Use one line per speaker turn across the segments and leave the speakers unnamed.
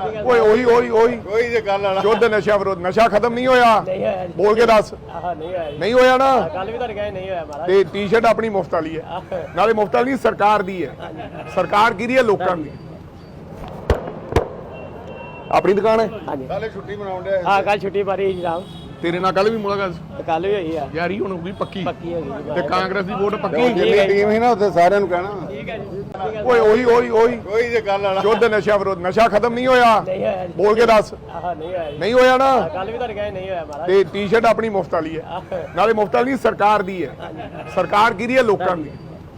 ਓਏ ਉਹੀ
ਕੋਈ ਜੇ ਗੱਲ ਵਾਲਾ
ਯੁੱਧ ਨਸ਼ਾ ਵਿਰੋਧ ਨਸ਼ਾ ਖਤਮ ਨਹੀਂ ਹੋਇਆ
ਨਹੀਂ ਹੋਇਆ ਜੀ।
ਬੋਲ ਕੇ ਦੱਸ
ਆਹ ਨਹੀਂ ਹੋਇਆ ਜੀ।
ਨਹੀਂ ਹੋਇਆ ਨਾ
ਕੱਲ ਵੀ ਤੁਹਾਡੇ ਕਹੇ ਨਹੀਂ ਹੋਇਆ ਮਹਾਰਾਜ।
ਤੇ ਟੀ-ਸ਼ਰਟ ਆਪਣੀ ਮੁਫਤ ਵਾਲੀ ਹੈ ਨਾਲੇ ਮੁਫਤ ਵਾਲੀ ਨਹੀਂ ਸਰਕਾਰ ਦੀ ਹੈ ਸਰਕਾਰ ਕਿਹਦੀ ਹੈ ਲੋਕਾਂ ਦੀ ਆਪਣੀ ਦੁਕਾਨ ਹੈ
ਹਾਂਜੀ
ਕੱਲ ਛੁੱਟੀ ਮਨਾਉਣ ਦੇ
ਹਾਂ ਕੱਲ ਛੁੱਟੀ ਮਾਰੀ ਜੀ ਰਾਮ
ਤੇਰੇ ਨਾਲ ਕੱਲ ਵੀ ਮੁਲਾਕਾਤ
ਕੱਲ ਵੀ ਹੋਈ ਆ
ਯਾਰੀ ਹੁਣ ਹੋਊਗੀ ਪੱਕੀ
ਪੱਕੀ ਹੋ ਗਈ
ਤੇ ਕਾਂਗਰਸ ਦੀ ਵੋਟ ਪੱਕੀ
ਜਿੰਨੀ ਟੀਮ ਸੀ ਨਾ ਉੱਥੇ ਸਾਰਿਆਂ ਨੂੰ ਕਹਿਣਾ
ਠੀਕ ਹੈ ਜੀ।
ਓਏ ਉਹੀ
ਕੋਈ ਜੇ ਗੱਲ ਵਾਲਾ
ਯੁੱਧ ਨਸ਼ਾ ਵਿਰੋਧ ਨਸ਼ਾ ਖਤਮ ਨਹੀਂ ਹੋਇਆ
ਨਹੀਂ ਹੋਇਆ ਜੀ।
ਬੋਲ ਕੇ ਦੱਸ
ਆਹ ਨਹੀਂ ਹੋਇਆ ਜੀ।
ਨਹੀਂ ਹੋਇਆ ਨਾ
ਕੱਲ ਵੀ ਤੁਹਾਡੇ ਕਹੇ ਨਹੀਂ ਹੋਇਆ ਮਹਾਰਾਜ।
ਤੇ ਟੀ-ਸ਼ਰਟ ਆਪਣੀ ਮੁਫਤ ਵਾਲੀ ਹੈ ਨਾਲੇ ਮੁਫਤ ਵਾਲੀ ਨਹੀਂ ਸਰਕਾਰ ਦੀ ਹੈ ਸਰਕਾਰ ਕਿਹਦੀ ਹੈ ਲੋਕਾਂ ਦੀ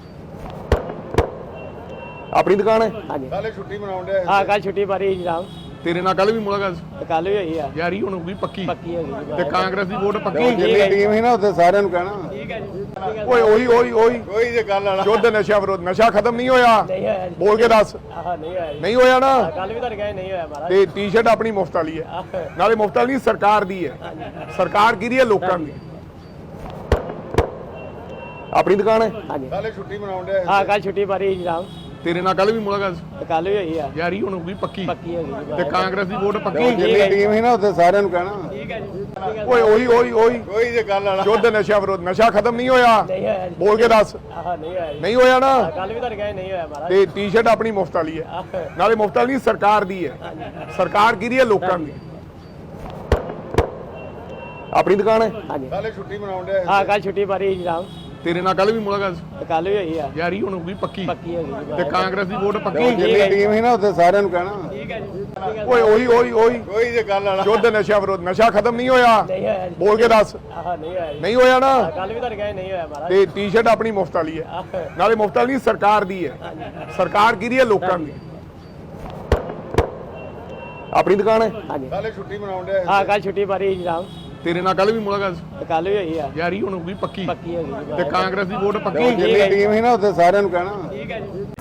ਆਪਣੀ ਦੁਕਾਨ ਹੈ
ਹਾਂਜੀ
ਕੱਲ ਛੁੱਟੀ ਮਨਾਉਣ ਦੇ
ਹਾਂ ਕੱਲ ਛੁੱਟੀ ਮਾਰੀ ਜੀ ਰਾਮ
ਤੇਰੇ ਨਾਲ ਕੱਲ ਵੀ ਮੁਲਾਕਾਤ
ਕੱਲ ਵੀ ਹੋਈ ਆ
ਯਾਰੀ ਹੁਣ ਹੋਊਗੀ ਪੱਕੀ
ਪੱਕੀ ਹੋ ਗਈ
ਤੇ ਕਾਂਗਰਸ ਦੀ ਵੋਟ ਪੱਕੀ
ਜਿੰਨੀ ਟੀਮ ਸੀ ਨਾ ਉੱਥੇ ਸਾਰਿਆਂ ਨੂੰ ਕਹਿਣਾ
ਠੀਕ ਹੈ ਜੀ।
ਓਏ ਉਹੀ
ਕੋਈ ਜੇ ਗੱਲ ਵਾਲਾ
ਯੁੱਧ ਨਸ਼ਾ ਵਿਰੋਧ ਨਸ਼ਾ ਖਤਮ ਨਹੀਂ ਹੋਇਆ
ਨਹੀਂ ਹੋਇਆ ਜੀ।
ਬੋਲ ਕੇ ਦੱਸ
ਆਹ ਨਹੀਂ ਹੋਇਆ ਜੀ।
ਨਹੀਂ ਹੋਇਆ ਨਾ
ਕੱਲ ਵੀ ਤੁਹਾਡੇ ਕਹੇ ਨਹੀਂ ਹੋਇਆ ਮਹਾਰਾਜ।
ਤੇ ਟੀ-ਸ਼ਰਟ ਆਪਣੀ ਮੁਫਤ ਵਾਲੀ ਹੈ ਨਾਲੇ ਮੁਫਤ ਵਾਲੀ ਨਹੀਂ ਸਰਕਾਰ ਦੀ ਹੈ ਸਰਕਾਰ ਕਿਹਦੀ ਹੈ ਲੋਕਾਂ ਦੀ ਆਪਣੀ ਦੁਕਾਨ ਹੈ
ਹਾਂਜੀ
ਕੱਲ ਛੁੱਟੀ ਮਨਾਉਣ ਦੇ
ਹਾਂ ਕੱਲ ਛੁੱਟੀ ਮਾਰੀ ਜੀ ਰਾਮ
ਤੇਰੇ ਨਾਲ ਕੱਲ ਵੀ ਮੁਲਾਕਾਤ
ਕੱਲ ਵੀ ਹੋਈ ਆ
ਯਾਰੀ ਹੁਣ ਹੋਊਗੀ ਪੱਕੀ
ਪੱਕੀ ਹੋ ਗਈ
ਤੇ ਕਾਂਗਰਸ ਦੀ ਵੋਟ ਪੱਕੀ
ਜਿੰਨੀ ਟੀਮ ਸੀ ਨਾ ਉੱਥੇ ਸਾਰਿਆਂ ਨੂੰ ਕਹਿਣਾ
ਠੀਕ ਹੈ ਜੀ।
ਓਏ ਉਹੀ
ਕੋਈ ਜੇ ਗੱਲ ਵਾਲਾ
ਯੁੱਧ ਨਸ਼ਾ ਵਿਰੋਧ ਨਸ਼ਾ ਖਤਮ ਨਹੀਂ ਹੋਇਆ
ਨਹੀਂ ਹੋਇਆ ਜੀ।
ਬੋਲ ਕੇ ਦੱਸ
ਆਹ ਨਹੀਂ ਹੋਇਆ ਜੀ।
ਨਹੀਂ ਹੋਇਆ ਨਾ
ਕੱਲ ਵੀ ਤੁਹਾਡੇ ਕਹੇ ਨਹੀਂ ਹੋਇਆ ਮਹਾਰਾਜ।
ਤੇ ਟੀ-ਸ਼ਰਟ ਆਪਣੀ ਮੁਫਤ ਵਾਲੀ ਹੈ ਨਾਲੇ ਮੁਫਤ ਵਾਲੀ ਨਹੀਂ ਸਰਕਾਰ ਦੀ ਹੈ ਸਰਕਾਰ ਕਿਹਦੀ ਹੈ ਲੋਕਾਂ ਦੀ ਆਪਣੀ ਦੁਕਾਨ ਹੈ
ਹਾਂਜੀ
ਕੱਲ ਛੁੱਟੀ ਮਨਾਉਣ ਦੇ
ਹਾਂ ਕੱਲ ਛੁੱਟੀ ਮਾਰੀ ਜੀ ਰਾਮ
ਤੇਰੇ ਨਾਲ ਕੱਲ ਵੀ ਮੁਲਾਕਾਤ
ਕੱਲ ਵੀ ਹੋਈ ਆ
ਯਾਰੀ ਹੁਣ ਹੋਊਗੀ ਪੱਕੀ
ਪੱਕੀ ਹੋ ਗਈ
ਤੇ ਕਾਂਗਰਸ ਦੀ ਵੋਟ ਪੱਕੀ
ਜਿੰਨੀ ਟੀਮ ਸੀ ਨਾ ਉੱਥੇ ਸਾਰਿਆਂ ਨੂੰ ਕਹਿਣਾ
ਠੀਕ ਹੈ ਜੀ।
ਓਏ ਉਹੀ
ਕੋਈ ਜੇ ਗੱਲ ਵਾਲਾ
ਯੁੱਧ ਨਸ਼ਾ ਵਿਰੋਧ ਨਸ਼ਾ ਖਤਮ ਨਹੀਂ ਹੋਇਆ
ਨਹੀਂ ਹੋਇਆ ਜੀ।
ਬੋਲ ਕੇ ਦੱਸ
ਆਹ ਨਹੀਂ ਹੋਇਆ ਜੀ।
ਨਹੀਂ ਹੋਇਆ ਨਾ
ਕੱਲ ਵੀ ਤੁਹਾਡੇ ਕਹੇ ਨਹੀਂ ਹੋਇਆ ਮਹਾਰਾਜ।
ਤੇ ਟੀ-ਸ਼ਰਟ ਆਪਣੀ ਮੁਫਤ ਵਾਲੀ ਹੈ ਨਾਲੇ ਮੁਫਤ ਵਾਲੀ ਨਹੀਂ ਸਰਕਾਰ ਦੀ ਹੈ ਸਰਕਾਰ ਕਿਹਦੀ ਹੈ ਲੋਕਾਂ ਦੀ ਆਪਣੀ ਦੁਕਾਨ ਹੈ
ਹਾਂਜੀ
ਕੱਲ ਛੁੱਟੀ ਮਨਾਉਣ ਦੇ
ਹਾਂ ਕੱਲ ਛੁੱਟੀ ਮਾਰੀ ਜੀ ਰਾਮ
ਤੇਰੇ ਨਾਲ ਕੱਲ ਵੀ ਮੁਲਾਕਾਤ
ਕੱਲ ਵੀ ਹੋਈ ਆ
ਯਾਰੀ ਹੁਣ ਹੋਊਗੀ ਪੱਕੀ
ਪੱਕੀ ਹੋ ਗਈ
ਤੇ ਕਾਂਗਰਸ ਦੀ ਵੋਟ ਪੱਕੀ
ਜਿੰਨੀ ਟੀਮ ਸੀ ਨਾ ਉੱਥੇ ਸਾਰਿਆਂ ਨੂੰ ਕਹਿਣਾ
ਠੀਕ ਹੈ ਜੀ।